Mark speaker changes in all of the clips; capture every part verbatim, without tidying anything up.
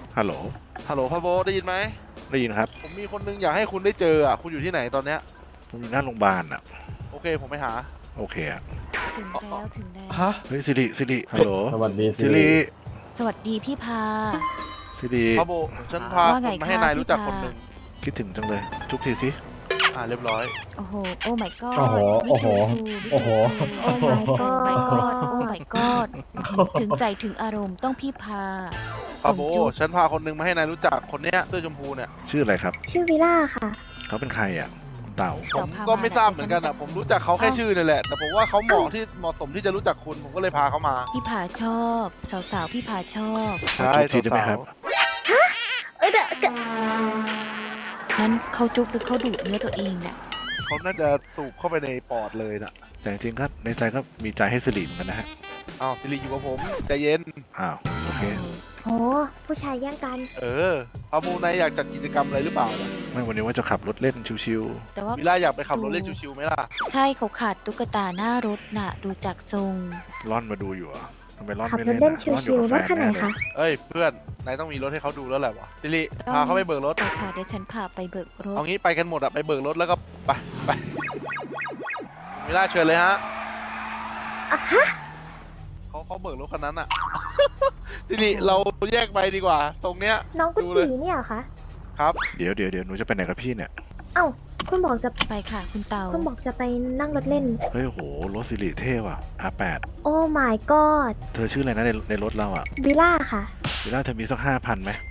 Speaker 1: ฮัลโหล
Speaker 2: ฮัลโหลพ่อโบได้ยินไหม
Speaker 1: ได้ยินครับ
Speaker 2: ผมมีคนนึงอยากให้คุณได้เจออ่ะคุณอยู่ที่ไหนตอนเนี้ย
Speaker 1: ผมอยู่หน้าโรงพยาบาลอ่ะ
Speaker 2: โอเคผมไปหา
Speaker 1: โอเคอ่ะ
Speaker 3: ถึงแล้วถึงแล้ว
Speaker 2: ฮะ
Speaker 1: เฮ้ยสิริสิริฮัลโหล
Speaker 4: สวัสดี
Speaker 1: สิริ
Speaker 3: สวัสดีพี่พา
Speaker 1: สิริ
Speaker 2: พ่อโบฉันพา
Speaker 3: ว่า
Speaker 2: ค
Speaker 3: ไง
Speaker 2: นมาให้
Speaker 3: คะ
Speaker 2: นายรู้จัก
Speaker 3: พี่
Speaker 2: คน
Speaker 3: พา
Speaker 2: หนึ่ง
Speaker 1: คิดถึงจังเลยจุ๊บทีสิ
Speaker 2: อ่าเรียบร้อย
Speaker 3: โอ้โหโอ้ my god
Speaker 4: โอ้โหโอ้โหโอ้โห
Speaker 3: โอ้ my god โอ้ my god ถึงใจถึงอารมณ์ต้องพี่พา
Speaker 2: พ่อ
Speaker 3: ส่ง
Speaker 2: โบ
Speaker 3: จุ๊บ
Speaker 2: ฉันพาคนนึงมาให้นายรู้จักคนเนี้ยเสื้อชมพูเนี่ย
Speaker 1: ชื่ออะไรครับ
Speaker 5: ชื่อวิล่าค่ะ
Speaker 1: เขาเป็นใครอ่ะคุณเต่า
Speaker 2: ผมก็ไม่ทราบเหมือนกันอ่ะผมรู้จักเขาแค่ชื่อนี่แหละแต่ผมว่าเขาเหมาะที่เหมาะสมที่จะรู้จักคุณผมก็เลยพาเขามา
Speaker 3: พี่พาชอบ สาวๆพี่พาชอบ
Speaker 1: ขอจุ๊บทีได้ไหมครับ
Speaker 5: เอ้ยเดี๋ยวเดี๋ยว
Speaker 3: นั้นเขาจุ๊บหรือเขาดูดเนื้อตัวเองน่ะ
Speaker 2: เขาน่าจะสูบเข้าไปในปอดเลยน่ะ
Speaker 1: แต่จริงๆครับในใจก็มีใจให้สิริเหมือนกันนะฮะ
Speaker 2: อ้าวสิริอยู่กับผมใจเย็น
Speaker 1: อ้าวโอเค
Speaker 5: โหผู้ชายแย่งกัน
Speaker 2: เออพ่อโบนายอยากจัดกิจกรรมอะไรหรือเปล่าล่ะ
Speaker 1: ไม่วันนี้ว่าจะขับรถเล่นชิว
Speaker 3: แต่ว่า
Speaker 2: วิล่าอยากไปขับรถเล่นชิวๆไหมล่ะ
Speaker 3: ใช่เขาขาดตุ๊กตาหน้ารถน่ะ ดูจากทรง
Speaker 1: ๆร่อนมาดูอยู่เหรอ่ะทำไมร่อน
Speaker 5: ขับ
Speaker 1: ไม่
Speaker 5: รถ
Speaker 1: เล่น
Speaker 5: เล่น
Speaker 1: อ่ะ
Speaker 5: ชิ
Speaker 1: ร่อนอยู่
Speaker 5: ว
Speaker 1: กับ
Speaker 5: ๆ
Speaker 1: แฟ
Speaker 5: รถ
Speaker 1: น
Speaker 5: คันไหน
Speaker 1: แน่เลย
Speaker 5: คะ
Speaker 2: เอ้ยเพื่อนนายต้องมีรถให้เขาดูแล้วแหละวะสิริ
Speaker 3: ต้อง
Speaker 2: พาเขาไปเบิกรถ
Speaker 3: ไปค่ะเดี๋ยวฉันพาไปเบิกรถ
Speaker 2: เอางี้ไปกันหมดอะไปเบิกรถแล้วก็ไปไปวิล่าเชิญเลยฮะ
Speaker 5: อ่ะฮะ
Speaker 2: เขาเขาเบิกรถคันนั้นอะ ทีนี้เราแยกไปดีกว่า ตรงเนี้ย
Speaker 5: น้องกุ
Speaker 2: ดูเลย
Speaker 5: จีเนี่ยเหรอคะ
Speaker 2: ครับ
Speaker 1: เดี๋ยวเดี๋ยวเดี๋ยวหนูจะไปไหนกับพี่เนี่ย
Speaker 5: เอ้า คุณบอกจะ
Speaker 3: ไปค่ะคุณเตา
Speaker 5: คุณบอกจะไปนั่งรถเล่น
Speaker 1: เฮ้ยโหรถสิริเท่ว่ะ อาร์ แปด
Speaker 5: โอ้ my god
Speaker 1: เธอชื่ออะไรนะในในรถเราอ่ะ
Speaker 5: วิล่าค่ะ
Speaker 1: เวลาเธอมีสักห้าพันไหม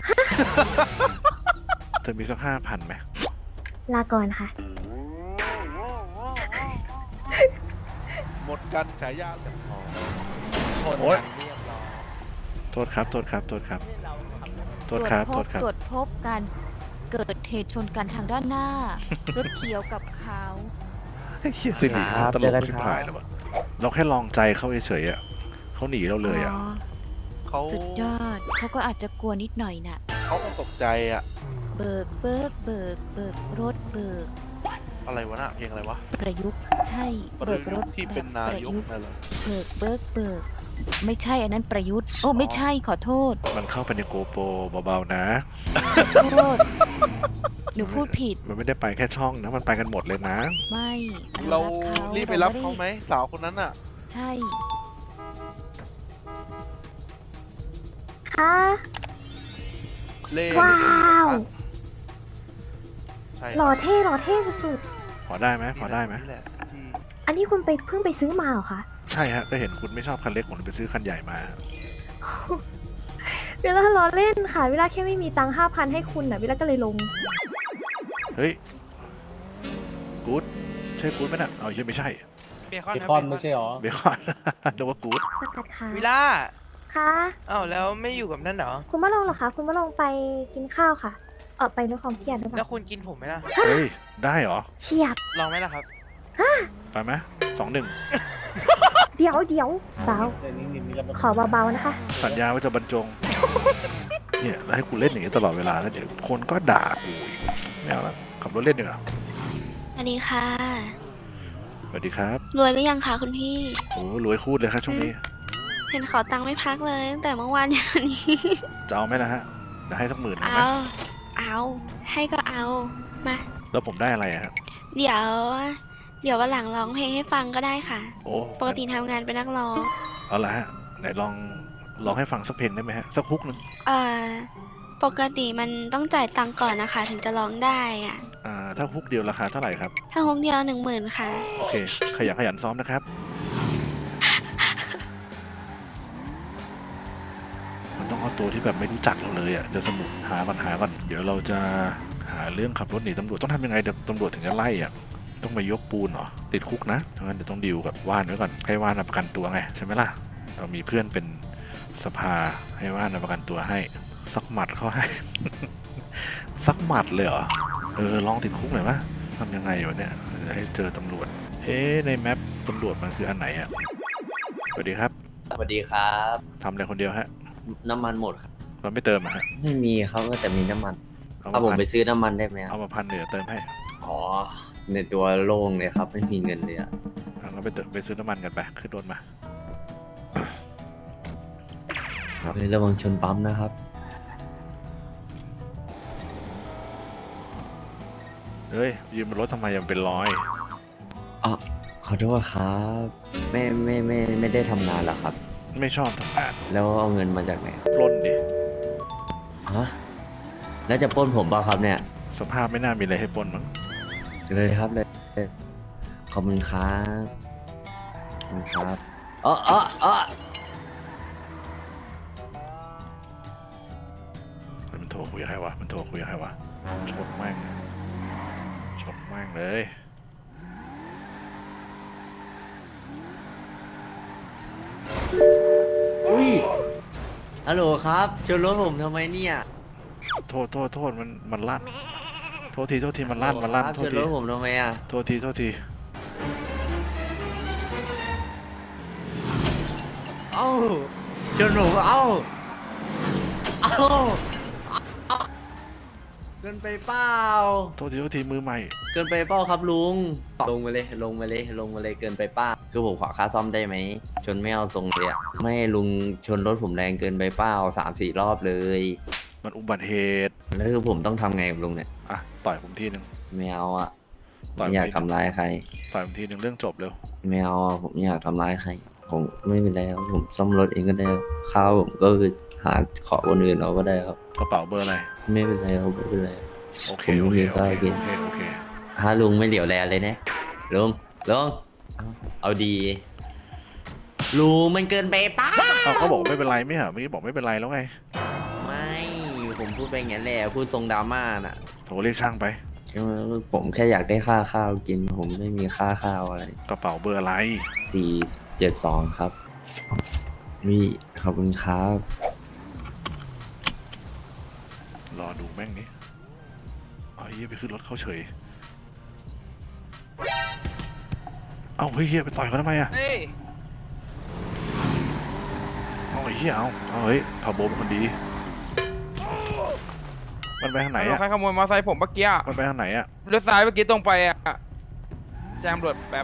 Speaker 1: เธอมีสักห้าพันไหม
Speaker 5: ลาก่อนค่ะ
Speaker 2: หมดกันฉายา
Speaker 1: โอ๊ยโทษครับ โทษครับ โทษครับ โทษครับ
Speaker 3: ต
Speaker 1: โท
Speaker 3: รว
Speaker 1: ษ
Speaker 3: จ
Speaker 1: ค
Speaker 3: พ
Speaker 1: รั
Speaker 3: บบ ตรวจพบการเกิดเหตุชนกันทางด้านหน้า รถเขียวกับขาว
Speaker 1: เฮ้ยสิริ
Speaker 4: ครับ
Speaker 1: ตล
Speaker 4: เจอก กัน
Speaker 1: ชิบ
Speaker 4: ครับ
Speaker 1: หายแล้ววะเราแค่ลองใจเขาเฉยๆอ่ะเขาหนีเราเลยอ่ะ
Speaker 3: อ๋อ
Speaker 2: เขา
Speaker 3: สุดยอดเขาก็อาจจะกลัวนิดหน่อยน่ะ
Speaker 2: เขาคงตกใจอะ
Speaker 3: เบิกเบิกเบิกเบิกรถเบิก
Speaker 2: อะไรวะน่ะเพลงอะไรวะ
Speaker 3: ประยุกต์ใช่
Speaker 2: ประ
Speaker 3: เบิกร
Speaker 2: ยุ
Speaker 3: ถ
Speaker 2: ทธ์ที่เป็นนา
Speaker 3: ประ
Speaker 2: ยก
Speaker 3: ยุกต์
Speaker 2: นั่นเหรอ
Speaker 3: เบิกเบิกเบิกไม่ใช่อันนั้นประยุทธ์โอ้ไม่ใช่ขอโทษ
Speaker 1: มันเข้าไปในโกโปรเบาๆนะ
Speaker 3: ขอโทษหนูพูดผิด
Speaker 1: มันไม่ได้ไปแค่ช่องนะ มันไปกันหมดเลยนะ
Speaker 3: ไม่
Speaker 2: เรา
Speaker 3: เรา
Speaker 2: รีบไปรับเขาไหมสาวคนนั้นอะ
Speaker 3: ใช่
Speaker 5: ค่ะ
Speaker 2: เล่
Speaker 5: ว้าว
Speaker 2: ใช่
Speaker 5: หล่อเท่หล่อเท่สุด
Speaker 1: พอได้ไหมพอได้ไหม
Speaker 2: นี่แหละที่
Speaker 5: ๆอันนี้คุณไปเพิ่งไปซื้อมาเหรอคะ
Speaker 1: ใช่ฮะ ก็เห็นคุณไม่ชอบคันเล็กผมเลยไปซื้อคันใหญ่มา
Speaker 5: เวลาล้อเล่นค่ะ เวลาแค่ไม่มีตังค์ห้าพันให้คุณน่ะ เวลาก็เลยลง
Speaker 1: เฮ้ย กู๊ดใช่กู๊ดไหมน่ะ เอาใช่ไม่ใช่
Speaker 6: เบคอน
Speaker 4: เบ
Speaker 6: ครับ
Speaker 4: คอน
Speaker 6: เบ
Speaker 4: ไม่ใช่หรอ
Speaker 1: เบคอน เรียกว่ากู๊ด
Speaker 5: สกัดค่ะ
Speaker 6: วิล่า
Speaker 5: ค่ะ
Speaker 6: อ้าวแล้วไม่อยู่กับนั่นเหรอ
Speaker 5: คุณมาลงเหรอคะ คุณมาลงไปกินข้าวค่ะ เออไปลดความเครียดหรือเป
Speaker 6: แล้ว
Speaker 5: ล่า
Speaker 6: คุณกินผมไหมล่ะ
Speaker 1: เฮ้ย ได้เหรอ
Speaker 5: เฉียบ
Speaker 6: ลองไหมล่ะครับ
Speaker 1: ไปไหมสองหนึ่ง
Speaker 5: เดี๋ยวเดี๋ยวเบา
Speaker 4: แต่นี่นี่นี่ก็
Speaker 5: ขอเบาๆนะคะ
Speaker 1: สัญญาว่าจะบรรจง เนี่ยแล้วให้กูเล่นอย่างนี้ตลอดเวลาแล้วเดี๋ยวคนก็ด่ากูอีกไม่เอาละขับรถเล่นดีกว่า
Speaker 7: สวัสดีค่ะ
Speaker 1: สวัสดีครับ
Speaker 7: รวยหรือยังคะคุณพี่
Speaker 1: โอ้รวยคูดเลยครับช่วงนี้
Speaker 7: เห็นขอตังค์ไม่พักเลยตั้งแต่เมื่อวานยันวันนี้
Speaker 1: จะเอาไหมนะฮะเดี๋ยวให้สักหมื่นหนึ่ง
Speaker 7: เอา
Speaker 1: นะ
Speaker 7: เอา ให้ก็เอา มา
Speaker 1: แล้วผมได้อะไรอะครับ
Speaker 7: เดี๋ยว เดี๋ยววันหลังร้องเพลงให้ฟังก็ได้ค่ะ
Speaker 1: โอ้
Speaker 7: ปกติทำงานเป็นนักร้อง
Speaker 1: เอาละฮะไหนลองลองให้ฟังสักเพลงได้ไหมฮะสักฮุกหนึ่ง
Speaker 7: เอ่อ ปกติมันต้องจ่ายตังค์ก่อนนะคะ ถึงจะร้องได้อะ
Speaker 1: อ่าถ้าฮุกเดียวราคาเท่าไหร่ครับ
Speaker 7: ถ้าฮงเดียวหนึ่งหมื่นค่ะ
Speaker 1: โอเค ขยันขยันซ้อมนะครับ มันต้องเอาตัวที่แบบไม่รู้จักเราเลยอ่ะ จะสนุกหาก่อนหาก่อน เดี๋ยวเราจะหาเรื่องขับรถหนีตำรวจต้องทำยังไงเดี๋ยวตำรวจถึงจะไล่อ่ะ ต้องมายกปูนเหรอ ติดคุกนะงั้นเดี๋ยวต้องดีลกับว่านไว้ก่อน ให้ว่านมาประกันตัวไงใช่ไหมล่ะ เรามีเพื่อนเป็นสภาให้ว่านมาประกันตัวให้ สักหมัดเขาให้ สักหมัดเลยเหรอ เออลองติดคุกหน่อยวะทำยังไงวะเนี่ยให้เจอตำรวจ เอ๊ะในแมปตำรวจมันคืออันไหนอ่ะ สวัสดีครับ
Speaker 8: สวัสดีครับ
Speaker 1: ทำอะไรคนเดียวฮะ
Speaker 8: น้ำมันหมดครับ
Speaker 1: เราไม่เติมอะฮะ
Speaker 8: ไม่มีครับแต่มีน้ำมัน
Speaker 1: เอา
Speaker 8: เอา
Speaker 1: มา
Speaker 8: ผม
Speaker 1: พัน
Speaker 8: ไปซื้อน้ำมันได้ไหมค
Speaker 1: เอา
Speaker 8: รับ
Speaker 1: มาพันเดี๋ยวเติมให้
Speaker 8: อ๋อในตัวโล่งเลยครับ ไม่มีเงินเลยอะ
Speaker 1: เอางั้นไปเติมไปซื้อน้ำมันกันไปขึ้นรถมา
Speaker 8: ครับระวังชนปั๊มนะครับ
Speaker 1: ฮ้ยยืมบนรถทำไมยังเป็นรอย
Speaker 8: อ๋อขอโทษครับไม่ไม่ไม่ไม่ได้ทำงานหรอครับ
Speaker 1: ไม่ชอบทำงาน
Speaker 8: แล้วเอาเงินมาจากไหน
Speaker 1: ปล้นดิ
Speaker 8: ฮะแล้วจะปล้นผมเปล่าครับเนี่ย
Speaker 1: สภาพไม่น่ามีอะไรให้ปล้นมั้ง
Speaker 8: เลยครับเลยขอบคุณครับขอบคุณครับอ๋ออ๋ออ๋อ
Speaker 1: เฮ้ยมันโทรคุยกับใครวะมันโทรคุยกับใครวะชนแม่งชนแม่งเลย
Speaker 8: อุ้ยฮัลโหลครับชนรถผมทำไมเนี่ย
Speaker 1: โทษโทษโทษมันมันลั่นโทษทีโทษทีมันลั่นมันลั่น
Speaker 8: ครับ
Speaker 1: โท
Speaker 8: ช
Speaker 1: ษ
Speaker 8: น
Speaker 1: ที
Speaker 8: รถผมทำไมอ่ะ
Speaker 1: โทษทีโทษที
Speaker 8: เอ้าชนผมเอ้าเอ้าเอ้าเกินไปเปล่า
Speaker 1: โทษทีโทษทีมือใหม่
Speaker 8: เกินไปเปล่าครับลุงลงมาเลยลงมาเลยลงมาเลยเกินไปเป้าคือผมขอค่าซ่อมได้ไหมชนไม่เอาทรงเลยอะไม่ลุงชนรถผมแรงเกินไปเป้าสามสี่รอบเลย
Speaker 1: มันอุบัติเหตุ
Speaker 8: แล้วคือผมต้องทำไงกับลุงเนี่ย
Speaker 1: อ่ะต่อยผมทีหนึ่ง
Speaker 8: ไม่เอาอะ
Speaker 1: ต่อย
Speaker 8: ไม่อยาก
Speaker 1: ผมที
Speaker 8: ทำร้ายใคร
Speaker 1: ต่อยผมทีหนึ่งเรื่องจบเร็ว
Speaker 8: ไม่เอาอะผมไม่อยากทำร้ายใคร ผมไม่เป็นไรครับผมซ่อมรถเองก็ได้ครับข้าวผมก็คือหาขอคนอื่นเอาก็ได้ครับ
Speaker 1: กระเป๋าเบอร์อะไร
Speaker 8: ไม่เป็นไรครับไม่เป็นไร
Speaker 1: โอเค
Speaker 8: ผม
Speaker 1: โอ
Speaker 8: ไม่
Speaker 1: เค
Speaker 8: มี
Speaker 1: โอ
Speaker 8: ข้าว
Speaker 1: เค
Speaker 8: กิน
Speaker 1: โอเคโอเค
Speaker 8: ถ้าลุงไม่เหลียวแลเลยนะลุงลุงเอาเอาดีลุงมันเกินไปเป้า
Speaker 1: อ้าวเขาบอกไม่เป็นไรไม่เหรอเมื่อกี้บอกไม่เป็นไรแล้วไง
Speaker 8: ไม่ผมพูดไปอย่างนั้นแหละพูดทรงดราม่าน่ะ
Speaker 1: โทรเรียกช่างไป
Speaker 8: ผมแค่อยากได้ค่าข้าวกิน ผมไม่มีค่าข้าวอะไร
Speaker 1: กระเป๋าเบอร์อะไร
Speaker 8: สี่เจ็ดสองครับวิขอบคุณครับ
Speaker 1: รอดูแม่งนี่เอาเฮียไปขึ้นรถเขาเฉยเอาเฮ้ยเฮียไปต่อยเขาทำไมอะ
Speaker 6: เฮ้ย
Speaker 1: เอาไอ้เฮียเอาเอาเฮ้ยพาโบเป็นคนดี มันไปทางไหนอะ
Speaker 6: ใครขโมยมอเตอร์ไซค์ผมเมื่อกี้อะ
Speaker 1: มันไปทางไหนอะ
Speaker 6: เลี้ยวซ้ายเมื่อกี้ตรงไปอ่ะแจมรวจแบบ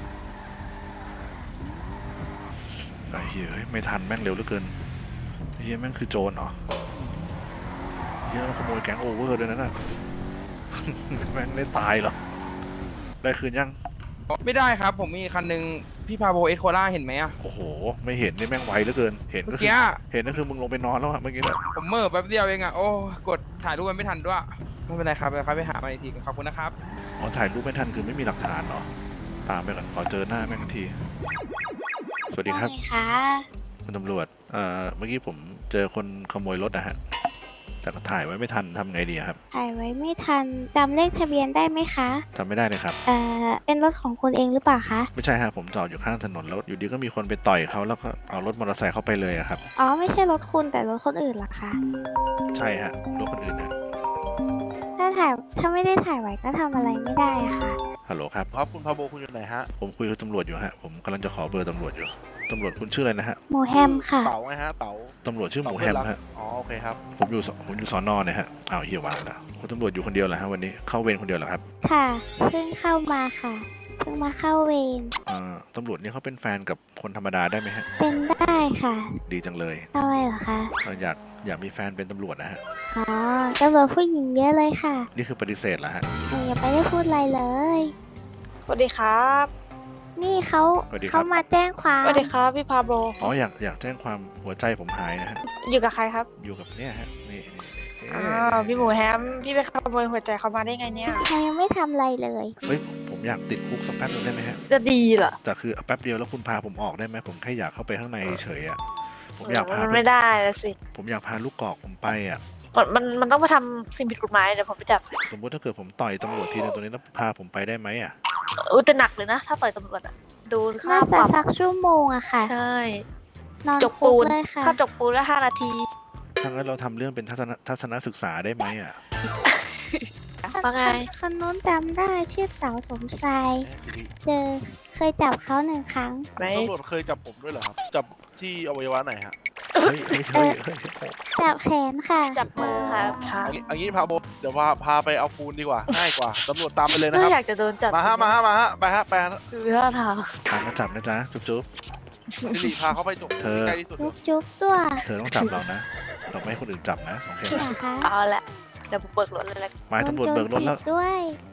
Speaker 1: ไอ้เฮียเฮ้ยไม่ทันแม่งเร็วเหลือเกินเฮียแม่งคือโจรเหรอเฮียมันขโมยแก๊งโอเวอร์ด้วยนะน่ะ แม่งได้ตายเหรอได้คืนยัง
Speaker 6: ไม่ได้ครับ ผมมีคันหนึ่งพี่พาโบเอสโคล่าเห็นไหมอ่ะ
Speaker 1: โอ้โห ไม่เห็นนี่แม่งไวเหลือเกิน เห็น
Speaker 6: เมื่
Speaker 1: ก็
Speaker 6: อ
Speaker 1: คือ
Speaker 6: กี้อะ
Speaker 1: เห็นก็คือมึงลงไปนอนแล้วอะเมื่อกี้เนี่ย
Speaker 6: ผมเมื่อแป๊บเดียวเองอ่ะ โอ้กดถ่ายรูปมันไม่ทันด้วย ไม่เป็นไรครับเดี๋ยวครับไปหามาอีกทีขอบคุณนะครับ
Speaker 1: อ๋อถ่ายรูปไม่ทันคือไม่มีหลักฐานเหรอ ตามไปก่อนขอเจอหน้าแม่งที สวัสดีครับ
Speaker 7: ว่าไงคะ
Speaker 1: คุณตำรวจ เอ่อ เมื่อกี้ผมเจอคนขโมยรถนะฮะ แต่ก็ถ่ายไว้ไม่ทันทำไงดีครับ
Speaker 9: ถ่ายไว้ไม่ทันจำเลขทะเบียนได้ไหมคะ
Speaker 1: จำไม่ได้เลยครับ
Speaker 9: เอ่อ เป็นรถของคุณเองหรือเปล่าคะ
Speaker 1: ไม่ใช่ฮะผมจอดอยู่ข้างถนนแล้วอยู่ดีก็มีคนไปต่อยเขาแล้วก็เอารถมอเตอร์ไซค์เข้าไปเลยอะครับ
Speaker 9: อ๋อ ไม่ใช่รถคุณแต่รถคนอื่นเหรอคะ
Speaker 1: ใช่ฮะรถคนอื่นนะ
Speaker 9: ถ้าถ่าย ถ้าไม่ได้ถ่ายไว้ก็ทำอะไรไม่ได้อะค่ะ
Speaker 1: ฮัลโหลครับ
Speaker 2: ครับคุณพาโบคุณอยู่ไหนฮะ
Speaker 1: ผมคุยกับตำรวจอยู่ฮะ ผมกำลังจะขอเบอร์ตำรวจอยู่ ตำรวจคุณชื่ออะไรนะฮะ
Speaker 9: โมแฮมค่ะ
Speaker 2: เต๋าไงฮะเต๋า
Speaker 1: ตำรวจชื่อหมูแฮมฮะ
Speaker 2: อ๋อโอเคครับ
Speaker 1: ผมอยู่สผมอยู่สอนอเนี่ยฮะ อ้าวเฮียวางแล้วคุณตำรวจอยู่คนเดียวเหรอฮะวันนี้ เข้าเวรคนเดียวเหรอครับ
Speaker 9: ค่ะ เพิ่งเข้ามาค่ะ เพิ่งมาเข้าเวร
Speaker 1: เอ่อตำรวจนี่เขาเป็นแฟนกับคนธรรมดาได้ไหมฮะ
Speaker 9: เป็นได้ค่ะ
Speaker 1: ดีจังเลย
Speaker 9: ทำไมเหรอคะ
Speaker 1: เอ่ออยากอยากมีแฟนเป็นตำรวจนะฮะ
Speaker 9: อ๋อตำรวจผู้หญิงเยอะเลยค่ะ
Speaker 1: นี่คือปฏิเสธเหรอฮะ
Speaker 9: หนูยังไม่ได้พูดอะไรเลย
Speaker 10: สวัสดีครับ
Speaker 9: นี่เขา
Speaker 1: สวัสดีครับ
Speaker 9: เขามาแจ้งความ
Speaker 10: สวัสดีครับพี่พาโบ
Speaker 1: อ๋ออยากอยากแจ้งความหัวใจผมหายนะฮะ
Speaker 10: อยู่กับใครครับ
Speaker 1: อยู่กับเนี่ยฮะ นี่นี่นี่
Speaker 10: อ้าวพี่หมูแฮม พี่ไปขโมยหัวใจเขามาได้ไงเนี่ย
Speaker 9: เขายังไม่ทำอะไรเลย
Speaker 1: เฮ้ยผมอยากติดคุกสักแป๊บนึงได้ไหมฮะ
Speaker 10: จะดีเหรอ
Speaker 1: แต่คือแป๊บเดียวแล้วคุณพาผมออกได้ไหมผมแค่อยากเข้าไปข้างในเฉยๆอ่ะ ผมอยากพา
Speaker 10: มันไม่ได้ละสิ
Speaker 1: ผมอยากพาลูกกอกผมไปอ่ะ
Speaker 10: มันมันมันต้องมาทำสิ่งผิดกฎหมายเดี๋ยวผมไปจับ
Speaker 1: สมมุติถ้าเกิดผมต่อยตำรวจทีนึงตัวนี้แล้วพาผมไปได้ไหมอ่ะ
Speaker 10: อุ้ยจะหนักเลยนะ ถ้าต่อยตำรวจอะดูค่า
Speaker 9: น่า
Speaker 10: ป
Speaker 9: จะ
Speaker 10: รับ
Speaker 9: สักชั่วโมงอะค่ะ
Speaker 10: ใช่
Speaker 9: นอน
Speaker 10: จก
Speaker 9: คุ
Speaker 10: ปู
Speaker 9: ก
Speaker 10: น
Speaker 9: เลยค่ะ
Speaker 10: ค่าจกปูนละห้านาที
Speaker 1: ถ้างั้นเราทำเรื่องเป็นทัศนทัศนศึกษาได้ไหมอ่ะ
Speaker 10: ว่าไง
Speaker 9: คนนู้นจำได้ชื่อเต๋าสมชายเจอเคยจับเขาหนึ่งครั้ง
Speaker 10: ไหน
Speaker 2: ตำรวจเคยจับผมด้วยเหรอครับ จับที่อวัยวะไหนฮะ
Speaker 1: เฮ้ยเฮ้ยเฮ้ยเฮ้ย
Speaker 9: จับแขนค่ะ
Speaker 10: จับมือครับครับ
Speaker 2: เอางี้เอางี้พาโบเดี๋ยวพาพาไปเอาปูนดีกว่า ง่ายกว่า ตำรวจตามไปเลยนะ
Speaker 10: ก็
Speaker 2: ครับ
Speaker 10: อยากจะโดนจับ
Speaker 2: มาฮะ มาฮะ มาฮะ ไปฮะ ไปฮะ
Speaker 10: คือท่าทาง
Speaker 1: ตามมาจับนะจ๊ะ จุ๊บจุ๊บ
Speaker 2: สิริพาเขาไปจบ
Speaker 1: เธอ
Speaker 2: ใกล้ที่สุด
Speaker 9: จุ๊บจุ๊บด้วย
Speaker 1: เธอต้องจับเรานะ เราไม่ให้คนอื่นจับนะ โอเคไหม
Speaker 9: นะคะ
Speaker 10: เอาละเดี๋ยวผมเบิกรถเลยละ
Speaker 1: หมายตำรวจเบิกรถแล้ว
Speaker 9: ด้วย
Speaker 1: โ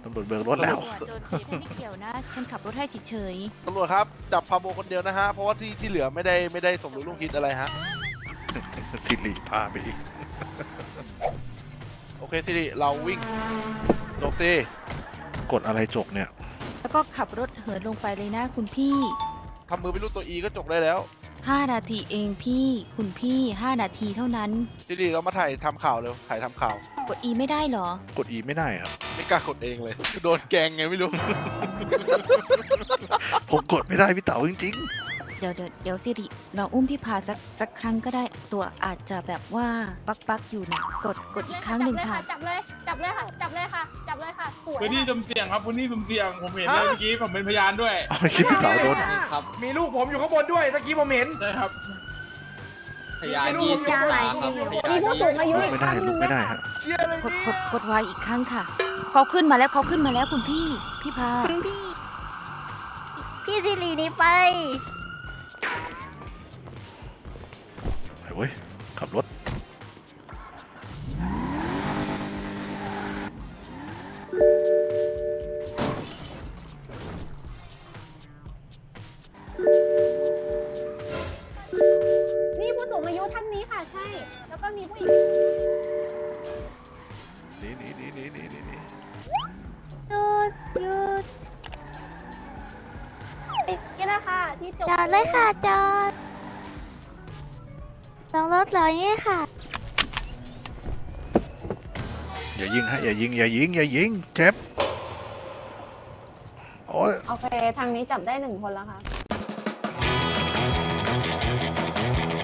Speaker 1: ตำรวจเบิกรถแล้ว
Speaker 3: ฉันไม่เกี่ยวนะ ฉันขับรถให้เฉย
Speaker 2: ตำรวจครับจับพาโบคนเดียวนะฮะเพราะว่าที่ที่เหลือไม่ได้ไม่ได้สมรู้ร่วมคิดอะไรฮะ
Speaker 1: สิริพาไปอีก
Speaker 2: โอเคสิริเราวิ่งจบสิ
Speaker 1: กดอะไรจกเนี่ย
Speaker 3: ๆ แล้วก็ขับรถเหินลงไปเลยนะคุณพี่
Speaker 2: ทำมือเป็นรูปตัวอีก็จบได้แล้ว
Speaker 3: ห้านาทีเองพี่ คุณพี่ห้านาทีเท่านั้น
Speaker 2: สิริเรามาถ่ายทำข่าวเร็วถ่ายทำข่าว
Speaker 3: กด E ไม่ได้เหรอ
Speaker 1: กด E ไม่ได้ครับ
Speaker 2: ไม่กล้ากดเองเลยโดนแกงไงไม่รู้
Speaker 1: ผมกดไม่ได้พี่เต๋าจริง
Speaker 3: เดี๋ยวเดี๋ยวเดี๋ยวสิริเราอุ้มพี่พาสักสักครั้งก็ได้ ตัวอาจจะแบบว่าปักปักอยู่นะกดกดอีกครั้งหนึ่งค่ะ
Speaker 10: จับเลย จับเลยค่ะ จับเลยค่ะ จับเลยค่ะ สวย
Speaker 11: พื้นที่สุ่มเสี่ยงครับพื้นที่สุ่มเสี่ยงผมเห็นเลยเมื่อกี้ผมเป็นพยานด้วย
Speaker 1: ๆเอาชิบพี่เต๋าโดน
Speaker 8: ครับ
Speaker 6: มีลูกผมอยู่ข้างบนด้วยตะกี้ผมเห็น
Speaker 11: ใช่ครับ
Speaker 8: พยานยี่สิบสามครับพยาน
Speaker 10: มีผู้สูงอายุ
Speaker 1: ลุกไม่ได้ลุกไม่ได้ฮะ
Speaker 2: เชี่ยอะไร
Speaker 3: กด
Speaker 2: นี่
Speaker 3: กดกดไวอีกครั้งค่ะเขาขึ้นมาแล้วเขาขึ้นมาแล้วคุณพี่ พี่พา
Speaker 9: คุณพี่ พี่สิริหนี่ไป
Speaker 1: ไปเว้ยขับรถ
Speaker 10: นี่ผู้สูงอายุท่านนี้ค่ะ ใช่ แล้วก็มีผู้หญิง
Speaker 1: หนีหนีหนีหนีหนีหนีหนี
Speaker 9: หยุดหยุด
Speaker 10: นี่แหละค่ะ ที่จบ
Speaker 9: จอดเลยค่ะ จอดลงรถเหรอเนี่ยค่ะ
Speaker 1: อย่ายิงฮะอย่ายิงอย่ายิงอย่ายิงเจ็บโอ้ย
Speaker 10: โอเค ทางนี้จับได้หนึ่งคนแล้วค่ะ